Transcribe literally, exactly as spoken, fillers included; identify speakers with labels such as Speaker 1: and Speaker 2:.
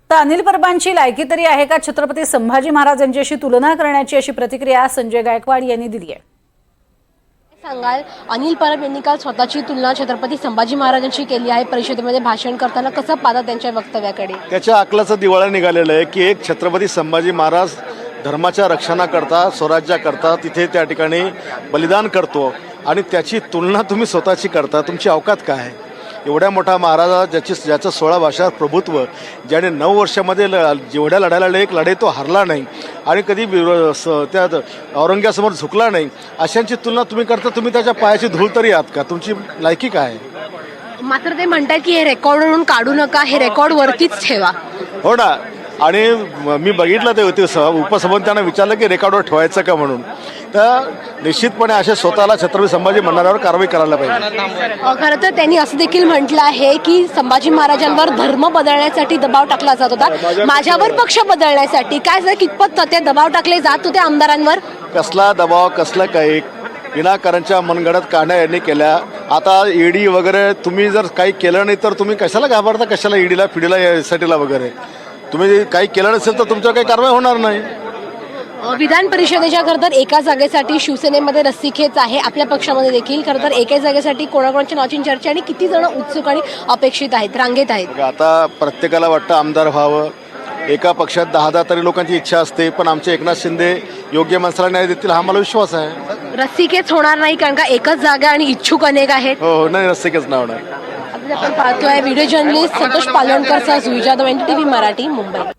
Speaker 1: तर अनिल परबांची लायकी तरी आहे का छत्रपती संभाजी महाराज यांच्याशी तुलना करण्याची, अशी प्रतिक्रिया संजय गायकवाड यांनी दिली आहे.
Speaker 2: सांगाल, अनिल परब यांनी काल स्वतःची तुलना छत्रपती संभाजी महाराजांची केली आहे. परिषदेमध्ये भाषण करताना कसं पाहता त्यांच्या वक्तव्याकडे?
Speaker 3: त्याच्या अकलाचं दिवाळं निघालेलं आहे की एक छत्रपती संभाजी महाराज धर्माच्या रक्षणाकरता, स्वराज्याकरता तिथे त्या ठिकाणी बलिदान करतो आणि त्याची तुलना तुम्ही स्वतःची करता. तुमची अवकात काय आहे? एवढ्या मोठा महाराजा ज्याची ज्याचं सोळा भाषात प्रभुत्व, ज्याने नऊ वर्षामध्ये ल जेवढ्या लढायला एक लढाई तो हरला नाही आणि कधी त्या औरंग्यासमोर झुकला नाही, अशांची तुलना तुम्ही करता. तुम्ही त्याच्या पायाची धूळ तरी आहात का? तुमची लायकी काय आहे?
Speaker 2: मात्र ते म्हणतात की हे रेकॉर्ड म्हणून काढू नका, हे रेकॉर्ड वरतीच ठेवा.
Speaker 3: हो ना. आणि मी बघितलं ते होते उपसभापती त्यांना विचारलं की रेकॉर्डवर ठेवायचं का म्हणून. तर निश्चितपणे असे स्वतःला छत्रपती संभाजी म्हणणाऱ्यावर कारवाई करायला पाहिजे.
Speaker 2: खरं तर त्यांनी असं देखील म्हटलं आहे की संभाजी महाराजांवर धर्म बदलण्यासाठी दबाव टाकला जात होता, माझ्यावर पक्ष बदलण्यासाठी. काय जर कितपत ते दबाव टाकले जात होते आमदारांवर?
Speaker 3: कसला दबाव, कसलं काही विनाकारणच्या मनगडत काढण्या यांनी केल्या. आता ईडी वगैरे तुम्ही जर काही केलं नाही तर तुम्ही कशाला घाबरता? कशाला ईडीला फिडीला एसआयटीला वगैरे? तुम्ही काही केलं नसेल तर तुमच्यावर काही कारवाई होणार नाही.
Speaker 2: विधान परिषदेच्या खरं तर एका जागेसाठी शिवसेनेमध्ये रस्सीखेच आहे, आपल्या पक्षामध्ये देखील. खरं तर एका जागेसाठी कोणाकोणाच्या नावाची चर्चा आणि किती जण उत्सुक आणि अपेक्षित आहेत, रांगेत आहेत?
Speaker 3: आता प्रत्येकाला वाटतं आमदार व्हावं. एका पक्षात दहा दहा तरी लोकांची इच्छा असते, पण आमचे एकनाथ शिंदे योग्य माणसाला न्याय देतील हा मला विश्वास आहे.
Speaker 2: रस्सीखेच होणार नाही कारण का एकच जागा आणि इच्छुक अनेक आहेत.
Speaker 3: हो हो नाही, रस्सीखेच नाही होणार.
Speaker 2: आपण पाहतोय व्हिडिओ जर्नलिस्ट संतोष पालवणकर सह सुविजा द N D T V Marathi, Mumbai.